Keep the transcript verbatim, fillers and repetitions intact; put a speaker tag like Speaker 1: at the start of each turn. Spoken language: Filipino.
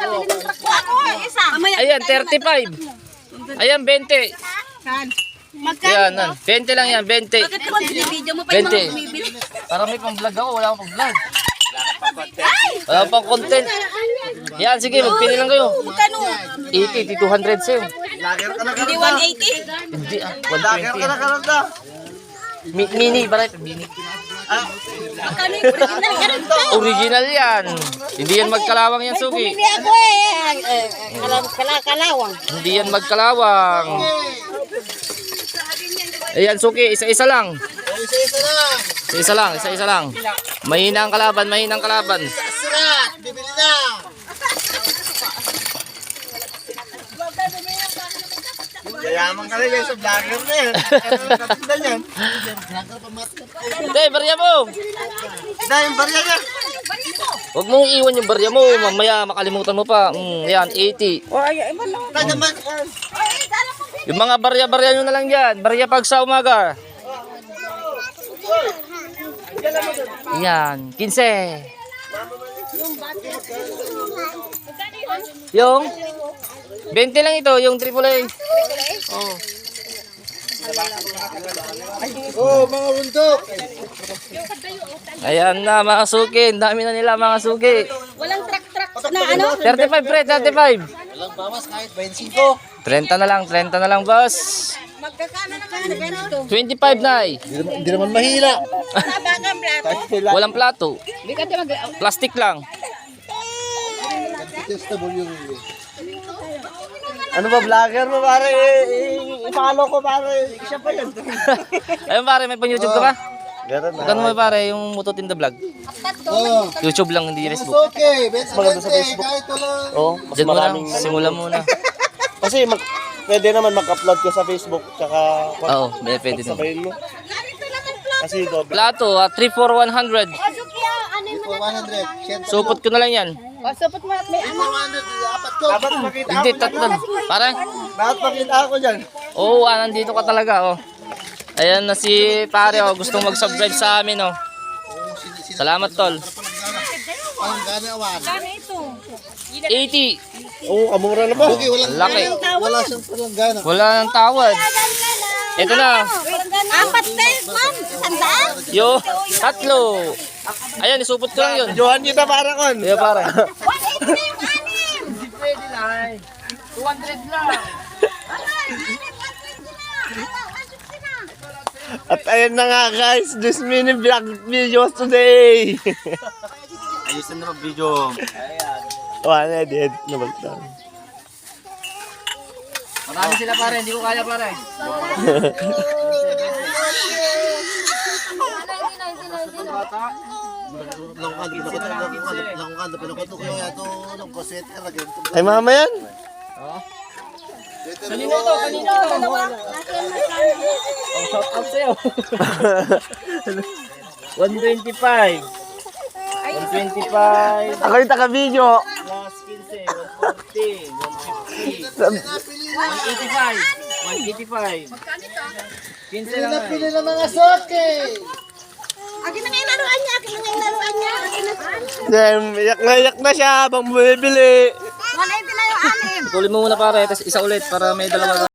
Speaker 1: Ayan, thirty-five. Ayan, twenty. Ayan, nan. twenty lang yan, twenty. twenty. Para may pang vlog ako, wala akong pang vlog. Wala pang content. Yan, sige, magpili lang kayo. eighty, two hundred sa'yo.
Speaker 2: Hindi one eighty?
Speaker 1: Hindi ah, one twenty. Mi- mini, baray. Mini. Original yan. Hindi yan magkalawang yan, Suki.
Speaker 2: Hindi ako eh. Kalawang.
Speaker 1: Hindi yan magkalawang. Ayan, Suki, isa-isa lang.
Speaker 3: Isa-isa lang.
Speaker 1: Isa-isa lang, isa-isa lang. Mahina ang kalaban, mahina ang kalaban.
Speaker 3: Surat, bibili na. Yayaman ka rin sa vlogger na yan. Katindan yan.
Speaker 1: Hindi, barya mo.
Speaker 3: Hindi, yung barya niya.
Speaker 1: Huwag mong iwan yung barya mo. Mamaya makalimutan mo pa. Mm, yan, eighty.
Speaker 3: Kaya naman.
Speaker 1: Yung mga barya-barya nyo na lang yan. Barya pag sa umaga. Yan, fifteen. Yung twenty lang ito, yung triple A. Oh.
Speaker 3: Oh, mga bundok.
Speaker 1: Ayan na mga suki. Ang dami na nila mga suki.
Speaker 2: Walang truck-truck na ano?
Speaker 1: thirty-five pre, thirty-five.
Speaker 3: Walang bawas kahit twenty-five.
Speaker 1: thirty na lang, thirty na lang boss.
Speaker 2: Magkakana na kaya na ganito.
Speaker 1: twenty-five na eh.
Speaker 3: Hindi naman mahila.
Speaker 2: Sabagang plato.
Speaker 1: Walang plato.
Speaker 2: Hindi ka mag...
Speaker 1: Plastic lang.
Speaker 3: Testable yung... Ano ba vlogger mo pare? I-follow ko pare. Siya pa yan.
Speaker 1: Ayun pare, may pang YouTube ka ba?
Speaker 3: Meron na.
Speaker 1: Magkano mo pare yung Mututin the Vlog?
Speaker 3: Oh.
Speaker 1: YouTube lang, hindi
Speaker 3: It's
Speaker 1: Facebook.
Speaker 3: okay. Best maganda sa Facebook. Kahit walang...
Speaker 4: Oh, mas
Speaker 1: Diyan mo lang,
Speaker 4: maraming
Speaker 1: simula muna.
Speaker 4: Kasi mag, pwede naman mag-upload ka sa Facebook tsaka
Speaker 1: Oo, may pwede din.
Speaker 4: sabayin mo. Kasi doble.
Speaker 1: Plato, ah, three for one hundred.
Speaker 3: For one hundred. Share ko.
Speaker 1: Supot ko na lang yan.
Speaker 2: O, supot mo. May
Speaker 3: For one hundred. Apat ko.
Speaker 4: Dapat makita
Speaker 1: Hindi, tatlo. Pare?
Speaker 3: Dapat makita ako dyan.
Speaker 1: Oo, ah, nandito ka talaga, oh. Ayan na si pare, oh. Gustong mag-subscribe sa amin, oh. Salamat, tol.
Speaker 3: Ang gana awan.
Speaker 1: eighty.
Speaker 4: Oo, kamura na ba?
Speaker 3: Okay, walang...
Speaker 1: Laki.
Speaker 3: Wala siyang palang gana.
Speaker 1: Wala nang tawad. Ito na.
Speaker 2: apat tayo, ma'am. Sandaan.
Speaker 1: Yo, tatlo. Ayan, isupot ko lang yun.
Speaker 4: Johan kita para kon.
Speaker 1: Ayan, pare.
Speaker 2: one eighty na yung anim.
Speaker 1: Pwede lang. two hundred lang.
Speaker 4: At ayan na nga guys, this mini vlog videos today.
Speaker 3: Ayusin na mag-video.
Speaker 4: Wala, edit na bagtang.
Speaker 1: Marami sila pare, hindi ko kaya pare.
Speaker 4: Ay mama yan?
Speaker 1: Kanino to? Kanino to? Oh, shout out sa'yo. one twenty-five. one twenty-five.
Speaker 4: Ako yung taga-video.
Speaker 1: Plus fifteen, one forty, one fifty. one eighty-five. one eighty-five. fifteen lang.
Speaker 3: Pili ng mga soke.
Speaker 2: Akin na nga yung laruan niya. Akin na nga yung laruan niya. Akin na nga.
Speaker 4: Then, iyak na iyak na siya habang bumibili.
Speaker 2: one eighty na yung anim.
Speaker 1: Tuloy mo muna pare, tapos isa ulit para may dalawa.